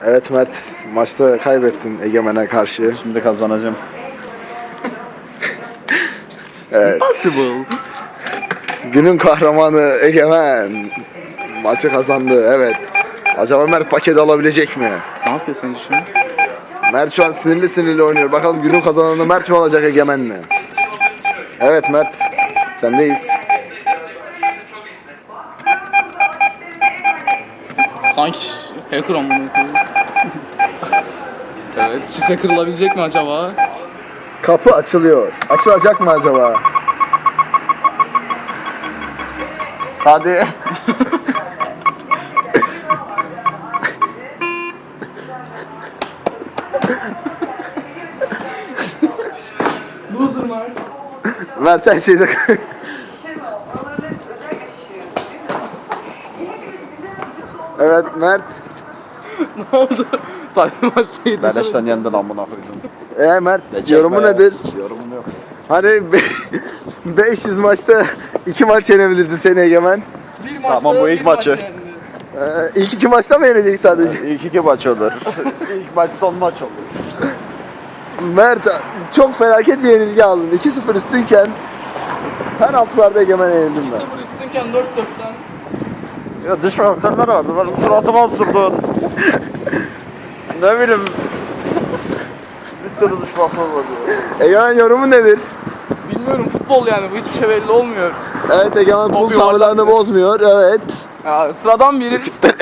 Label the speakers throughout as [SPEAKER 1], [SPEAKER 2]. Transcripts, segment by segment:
[SPEAKER 1] Evet Mert, maçta kaybettin Egemen'e karşı.
[SPEAKER 2] Şimdi kazanacağım.
[SPEAKER 1] Evet.
[SPEAKER 3] Impossible.
[SPEAKER 1] Günün kahramanı Egemen. Maçı kazandı, evet. Acaba Mert paket alabilecek mi?
[SPEAKER 3] Ne yapıyor sence şu an?
[SPEAKER 1] Mert şu an sinirli oynuyor. Bakalım günün kazananı Mert mi olacak Egemen mi? Evet Mert, sendeyiz.
[SPEAKER 3] Sanki hacker olmalı. Evet, şifre kırılabilecek mi acaba?
[SPEAKER 1] Kapı açılıyor. Açılacak mı acaba? Hadi.
[SPEAKER 3] Loser Mars.
[SPEAKER 1] Mert her şeyde... Evet Mert.
[SPEAKER 3] Ne oldu? Tabii maçtaydı.
[SPEAKER 2] Beleşten yendin amına koydum.
[SPEAKER 1] Mert yorumu nedir?
[SPEAKER 2] Yorumum yok.
[SPEAKER 1] Hani 500 maçta 2 maç yenebilirdi seni Egemen.
[SPEAKER 3] Bir maçta
[SPEAKER 2] Tamam, bu ilk
[SPEAKER 3] bir maç
[SPEAKER 2] maçı.
[SPEAKER 3] yendi.
[SPEAKER 1] İlk 2 maçta mı yenecek sadece?
[SPEAKER 2] İlk iki maç olur. İlk maç son maç olur.
[SPEAKER 1] Mert çok felaket bir yenilgi aldın. 2-0 üstünken penaltılarda Egemen'e yenildim ben.
[SPEAKER 3] 0 üstünken 4-4'ten.
[SPEAKER 2] Ya dış faktörler vardı. Benim suratıma osurdun. Ne bileyim. Bir sürü dış faktör vardı.
[SPEAKER 1] Egemen yorumu nedir?
[SPEAKER 3] Bilmiyorum, futbol yani, bu hiçbir şey belli olmuyor.
[SPEAKER 1] Evet Egemen pul
[SPEAKER 3] Kopuyor,
[SPEAKER 1] tavırlarını
[SPEAKER 3] vallahi.
[SPEAKER 1] bozmuyor. Evet.
[SPEAKER 3] Ya, sıradan biri.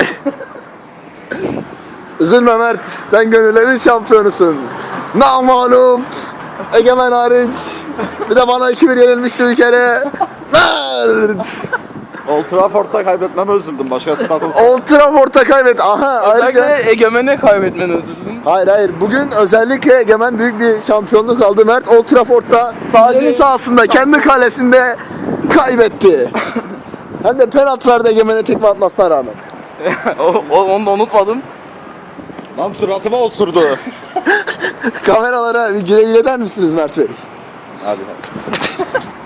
[SPEAKER 1] Üzülme Mert. Sen gönüllerin şampiyonusun. Namağlup. Egemen hariç. Bir de bana 2-1 yenilmişti bir kere. Mert.
[SPEAKER 2] Old Trafford'da kaybetmeme üzüldüm. Başka status.
[SPEAKER 1] Old Trafford'da kaybet. Aha ayrıca...
[SPEAKER 3] Özellikle Egemen'e kaybetmen özledim.
[SPEAKER 1] Hayır. Bugün özellikle Egemen büyük bir şampiyonluk aldı. Mert Old Trafford'da
[SPEAKER 3] Sadece-
[SPEAKER 1] kendi sahasında, kendi kalesinde kaybetti. Hem de penaltılarda Egemen'e tekme atmasına rağmen.
[SPEAKER 3] Onu da unutmadım.
[SPEAKER 2] Lan suratıma osurdu.
[SPEAKER 1] Kameralara bir güle güle der misiniz Mert Bey?
[SPEAKER 2] Hadi.